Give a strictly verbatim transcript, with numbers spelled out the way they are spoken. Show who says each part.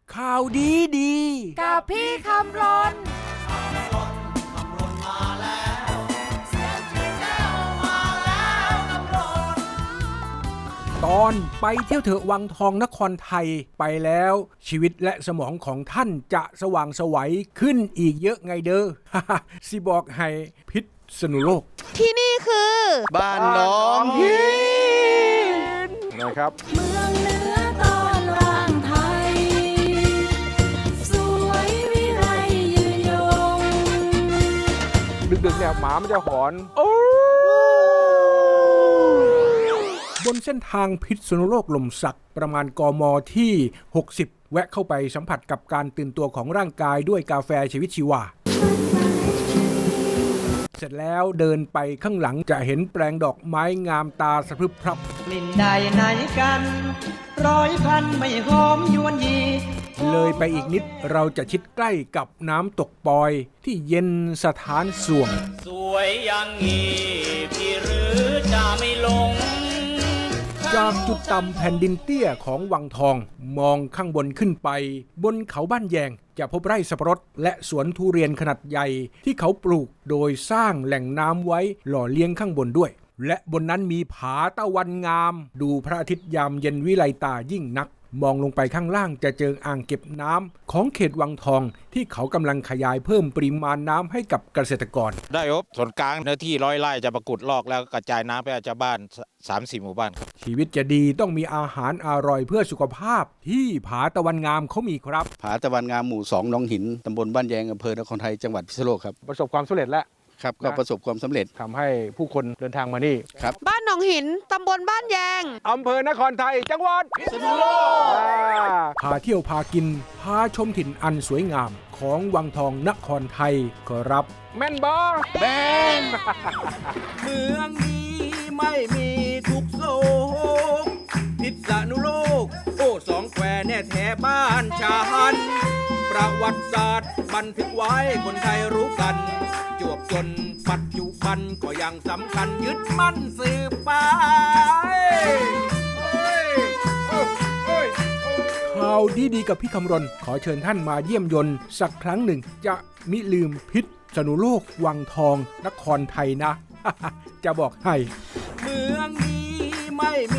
Speaker 1: ข่าวดีดี
Speaker 2: กับพี่คำรน
Speaker 1: ตอนไปเที่ยวเถอะวังทองนครไทยไปแล้วชีวิตและสมองของท่านจะสว่างไสวขึ้นอีกเยอะไงเด้อ สิบอกให้พิษณุโลก
Speaker 2: ที่นี่คือ
Speaker 3: บ้านน้องหิน
Speaker 1: นะครับ
Speaker 2: เมืองเหนือตอนล่างไทยสวยวิไลยืนยง
Speaker 1: ดึกๆเนี่ยหมามันจะหอนบนเส้นทางพิษณุโลกลมสักประมาณกมที่หกสิบแวะเข้าไปสัมผัสกับการตื่นตัวของร่างกายด้วยกาแฟชีวิตชีวาเสร็จแล้วเดินไปข้างหลังจะเห็นแปลงดอกไม้งามตาสะพรึบพรับ
Speaker 4: กลิ่นใดไหนกันร้อยพันไม่หอมยวนยี
Speaker 1: เลยไปอีกนิดเราจะชิดใกล้กับน้ำตกปอยที่เย็นสถานส่วง
Speaker 4: สวยอย่างงี้พี่หรือจะไม่ลง
Speaker 1: จากจุดต่ำแผ่นดินเตี้ยของวังทองมองข้างบนขึ้นไปบนเขาบ้านแยงจะพบไร่สับปะรดและสวนทุเรียนขนาดใหญ่ที่เขาปลูกโดยสร้างแหล่งน้ำไว้หล่อเลี้ยงข้างบนด้วยและบนนั้นมีผาตะวันงามดูพระอาทิตย์ยามเย็นวิไลตายิ่งนักมองลงไปข้างล่างจะเจออ่างเก็บน้ำของเขตวังทองที่เขากำลังขยายเพิ่มปริมาณน้ำให้กับเกษตรกร
Speaker 3: ได้ครับส่วนกลางเนื้อที่ร้อยไร่จะประกุดลอกแล้วกระจายน้ำไปอาชาวบ้าน สามสี่ หมู่บ้านครับ
Speaker 1: ชีวิตจะดีต้องมีอาหารอร่อยเพื่อสุขภาพที่ผาตะวันงามเขามีครับ
Speaker 5: ผาตะวันงามหมู่สองหนองหินตำบลบ้านแยงอำเภอนครไทยจังหวัดพิษณุโลกครับ
Speaker 1: ประสบความสำเร็จแล้ว
Speaker 5: ครับก็ประสบความสำเร็จ
Speaker 1: ทำให้ผู้คนเดินทางมานี่
Speaker 5: ครับ
Speaker 2: บ้านหนองหินตำบลบ้านแยง
Speaker 1: อำเภอนครไทยจังหวัดพิษณุโลกพาเที่ยวพากินพาชมถิ่นอันสวยงามของวังทองนครไทยครับแม่นบอ
Speaker 3: แม่น
Speaker 1: เมืองนี้ไม่มีทุกโศกพิษณุโลกโอ้สองแควแน่แท้บ้านฉันประวัติศาสตร์บันทึกไว้คนไทยรู้กันจวบจนปัจจุบันก็ยังสำคัญยึดมั่นสืบไปข่าวดีๆกับพี่คำรณขอเชิญท่านมาเยี่ยมยนต์สักครั้งหนึ่งจะมิลืมพิษณุโลกวังทองนครไทยนะ จะบอกให้เมืองนี้ไม่